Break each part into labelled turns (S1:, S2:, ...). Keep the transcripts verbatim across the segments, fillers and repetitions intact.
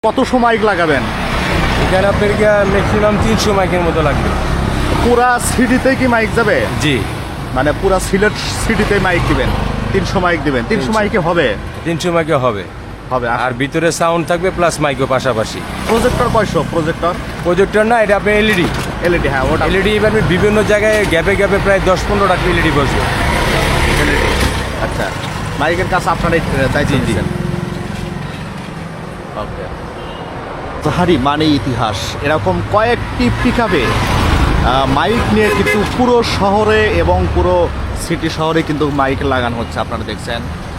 S1: কত সময় লাগাবেন?
S2: এখানে আপনার ম্যাক্সিমাম তিনশো মাইকের মতো লাগবে।
S1: পুরা সিটিতে কি মাইক যাবে?
S2: জি,
S1: মানে পুরা সিলেট সিটিতে মাইক দিবেন, তিনশো মাইক দিবেন। তিনশো মাইকে হবে?
S2: তিনশো মাইকে হবে
S1: হবে।
S2: আর ভিতরে সাউন্ড থাকবে প্লাস মাইকও পাশাপাশি।
S1: প্রজেক্টর কয়শো? প্রজেক্টর
S2: প্রজেক্টর না, এটা আপনার এলইডি।
S1: এলইডি, হ্যাঁ ওটা
S2: এলইডি। এবার বিভিন্ন জায়গায় গ্যাপে গ্যাপে প্রায় দশ পনেরোটা এলইডি বসবে।
S1: এলইডি। আচ্ছা, মাইকের কাছে আপনারা দায়িত্ব দিচ্ছেন। ওকে। জাহারি মানে ইতিহাস, এরকম কয়েকটি পিকআপে মাইক নিয়ে কিন্তু পুরো শহরে এবং পুরো সিটি শহরে কিন্তু মাইক লাগানো হচ্ছে। আপনারা দেখছেন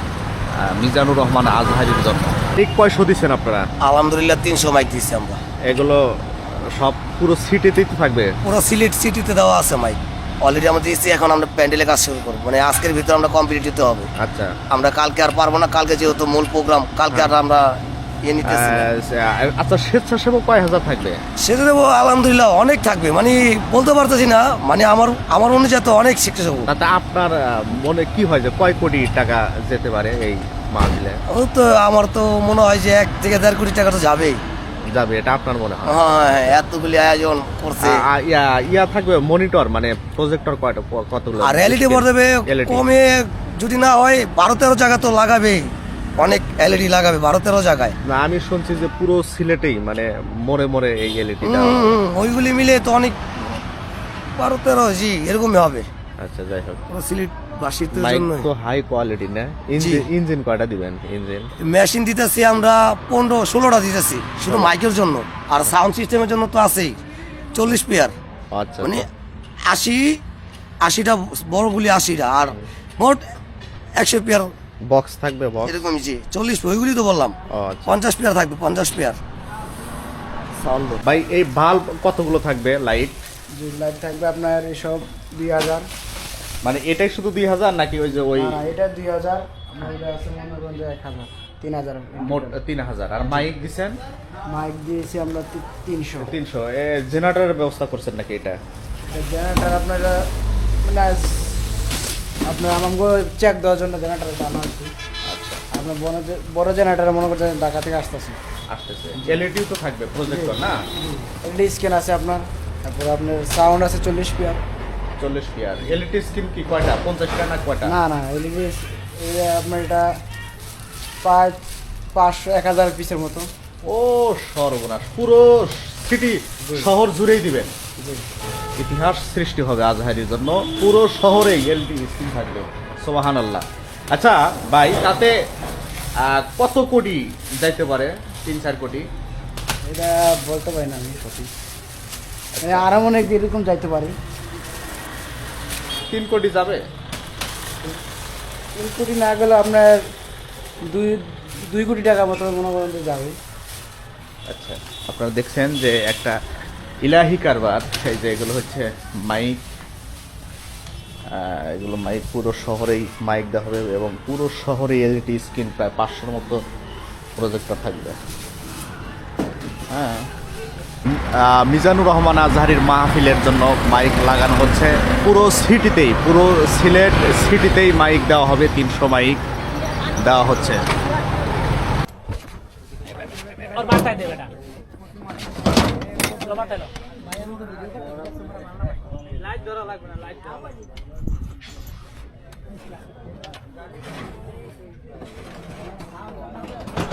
S1: মিজানুর রহমান আজহারির জন্য। ঠিক কয়শো দিচ্ছেন আপনারা?
S3: আলহামদুলিল্লাহ তিনশো মাইক দিচ্ছি আমরা।
S1: এগুলো সব পুরো সিটিতেই তো থাকবে?
S3: পুরো সিলেট সিটিতে দেওয়া আছে মাইক অলরেডি আমরা দিয়েছি। এখন আমরা প্যান্ডেলে কাজ শুরু করবো, মানে আজকের ভিতরে আমরা কমপ্লিট দিতে হবে।
S1: আচ্ছা,
S3: আমরা কালকে আর পারবো না, কালকে যেহেতু মূল প্রোগ্রাম, কালকে আর আমরা ইয়ে নিতেছি না।
S1: আচ্ছা, স্বেচ্ছাসেবক কয় হাজার থাকবে?
S3: সেটা দেবো আলহামদুলিল্লাহ অনেক থাকবে, মানে বলতে পারতেছি না, মানে আমার আমার অনুযায়ী তো অনেক শিখতে যাবো।
S1: তাতে আপনার আহ, মনে কি হয় যে কয় কোটি টাকা যেতে পারে এই মাহফিলে?
S3: ও তো আমার তো মনে হয় যে এক থেকে দেড় কোটি টাকা তো যাবেই
S1: যাবে, এটা আপনার মনে হয়?
S3: হ্যাঁ, এতগুলি আয়োজন করছে।
S1: আ- আ- ইয়া ইয়া থাকবে মনিটর, মানে প্রজেক্টর কয়টা, কতগুলো?
S3: আর এলইডি ভর দেবে
S1: L E D
S3: কমে, যদি না হয় বারো তেরো জায়গা তো লাগাবেই, অনেক এলইডি লাগাবে বারো তেরো জায়গায়।
S1: না, আমি শুনছি যে পুরো সিলেটেই মানে মোড়ে মোড়ে এই এলইডি।
S3: হুম, হুম, ওইগুলি মিলে তো অনেক বারো তেরো জি এরকমই হবে
S1: আচ্ছা, যাই হোক।
S3: পুরো সিলেট বাসীদের
S1: মাইক
S3: জন্য।
S1: তো হাই কোয়ালিটি না? ইঞ্জিন ইঞ্জিন কয়টা দিবেন? ইঞ্জিন
S3: মেশিন দিতেছি আমরা পনেরো ষোলোটা দিতেছি শুধু মাইকের জন্য, আর সাউন্ড সিস্টেমের জন্য তো আছেই চল্লিশ পেয়ার,
S1: আচ্ছা,
S3: মানে আশি আশিটা বড়গুলি আশিটা, আর মোট একশো পেয়ার
S1: বক্স থাকবে? বক্স
S3: এরকমই জি চল্লিশ, ওইগুলি তো বললাম।
S1: ও আচ্ছা।
S3: পঞ্চাশ পেয়ার থাকবে, পঞ্চাশ পেয়ার সাউন্ড।
S1: ভাই, এই বাল্ব কতগুলো থাকবে? লাইট
S4: যে লাইট থাকবে আপনার এসব দুই হাজার।
S1: মানে এটাই শুধু দুই হাজার নাকি ওই যে ওই
S4: না, এটা দুই হাজার, আপনার এটা আছে মনে করেন যে এক হাজার, তিন হাজার।
S1: মোট তিন হাজার? আর মাইক দিচ্ছেন?
S4: মাইক দিয়েছি আমরা তি- তিনশো।
S1: তিনশো। এ জেনারেটরের ব্যবস্থা করছেন নাকি এটা?
S4: জেনারেটার আপনার মানে আপনার আমাকে চেক দেওয়ার জন্য জেনারেটারটা আনা হচ্ছে।
S1: আচ্ছা,
S4: আপনার বড় যে- বড় জেনারেটার মনে করছেন ঢাকা থেকে আসতেছে।
S1: আসতেছে। এলইডিও তো থাকবে, প্রজেক্টর না?
S4: এলইডি স্ক্যান আছে আপনার, তারপরে আপনার সাউন্ড আছে চল্লিশ পেয়ার।
S1: চল্লিশ পিয়ার। এলইডি স্ক্রিন কি কয়টা? পঞ্চাশটা না কয়টা?
S4: না না, এলইডি আপনার এটা পাঁচ পাঁচশো এক হাজার পিসের মতো।
S1: ও সর্বনাশ, পুরো সিটি শহর জুড়েই দিবেন। ইতিহাস সৃষ্টি হবে আজহারির জন্য, পুরো শহরেই এলইডি স্ক্রিন থাকবে। সুবহানাল্লাহ। আচ্ছা ভাই, তাতে আহ, কত কোটি যাইতে পারে? তিন চার কোটি?
S4: এটা বলতে পারি না আমি সঠিক, মানে আরও অনেক এরকম যাইতে পারি।
S1: তিন কোটি যাবে?
S4: তিন কোটি না গেলে আপনার দুই দুই কোটি টাকা মতো মনে করেন যে যাবে।
S1: আচ্ছা, আপনারা দেখছেন যে একটা ইলাহি কারবার। এই যে এগুলো হচ্ছে মাইক, আহ, এগুলো মাইক পুরো শহরেই মাইক দেওয়া হবে এবং পুরো শহরে এলইডি স্ক্রিন প্রায় পাঁচশোর মতো প্রজেক্টর থাকবে। হ্যাঁ, আহ, মিজানুর রহমান আজহারির মাহফিলের জন্য মাইক লাগানো হচ্ছে পুরো সিটিতেই, পুরো সিলেট সিটিতেই মাইক দেওয়া হবে। তিনশো মাইক দেওয়া হচ্ছে।
S5: और बात दे बेटा लो बात लो लाइट ধরা লাগবে না লাইট ধরা লাগবে